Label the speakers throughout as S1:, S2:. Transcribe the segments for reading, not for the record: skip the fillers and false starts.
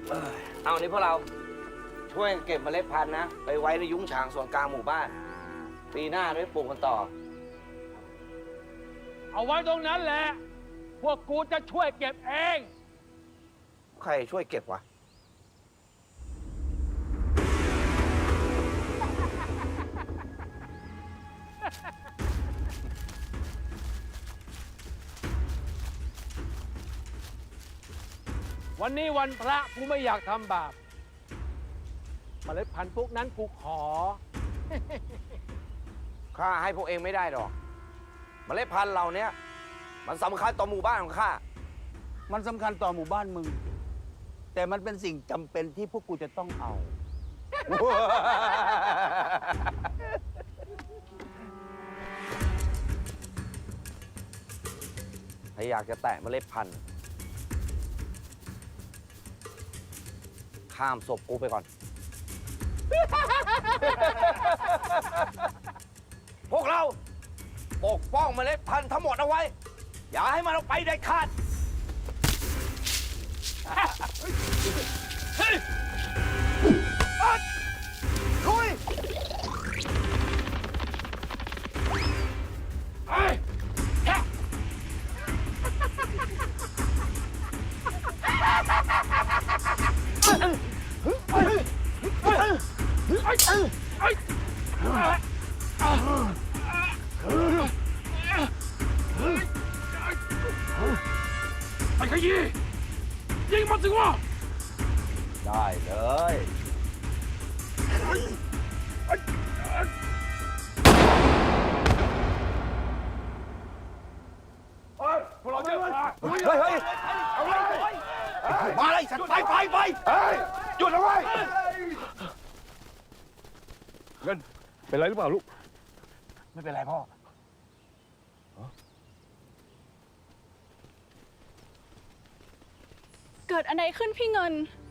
S1: เอานี่พวกเราช่วยเก็บเมล็ดพันธุ์นะไปไว้ในยุ้งฉางส่วนกลางหมู่บ้านปีหน้าได้ปลูกกันต่อ
S2: เอาไว้ตรงนั้นแหละพวกกูจะช่วยเก็บเอง
S1: ใครช่วยเก็บวะ
S2: วันนี้วันพระกูไม่อยากทำบาปเมล็ดพันธุ์พวกนั้นกูขอ
S1: ข้าให้พวกเองไม่ได้หรอกเมล็ดพันธุ์เหล่านี้มันสำคัญต่อหมู่บ้านของข้า
S3: มันสำคัญต่อหมู่บ้านมึง แต่มันเป็นสิ่งจำเป็นที่พวกกูจะต้องเอา
S1: ถ้าอยากจะแตะเมล็ดพันธุ์ข้ามศพกูไปก่อน พวกเราปกป้องเมล็ดพันธุ์ทั้งหมดเอาไว้ อย่าให้มันเอาไปได้ขาดลุย
S2: ไอ้ขยี้ยิงมันสิวะ
S1: ได้เลย
S2: พวกเราจะ
S1: เฮ้ยเฮ้ยมาเลยสัตว์ไปหยุดเอาไว้
S2: เงินเป็นไรหรือเปล่าลูก
S1: ไม่เป็นไรพ่อ
S4: เกิดอะไรขึ้นพี่เงิน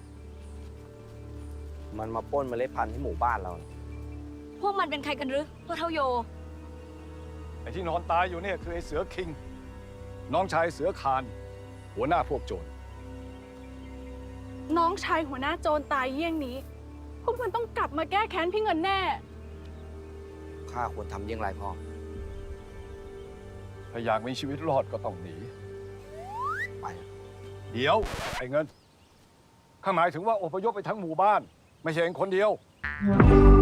S1: มันมาปล้นเมล็ดพันธุ์ที่หมู่บ้านเรา
S5: พวกมันเป็นใครกันหรือพวกเท่าโย
S6: ไอ้ที่นอนตายอยู่เนี่ยคือไอ้เสือคิง น้องชายเสือคาน หัวหน้าพวกโจร
S4: น้องชายหัวหน้าโจรตายเยี่ยงนี้ พวกมันต้องกลับมาแก้แค้นพี่เงินแน่
S1: ข้าควรทำอย่างไรพ่อ
S6: ถ้าอยากมีชีวิตรอดก็ต้องหนี
S1: ไป
S6: เดี๋ยว ไอ้เงิน ข้าหมายถึงว่าอพยพไปทั้งหมู่บ้าน ไม่ใช่เองคนเดียว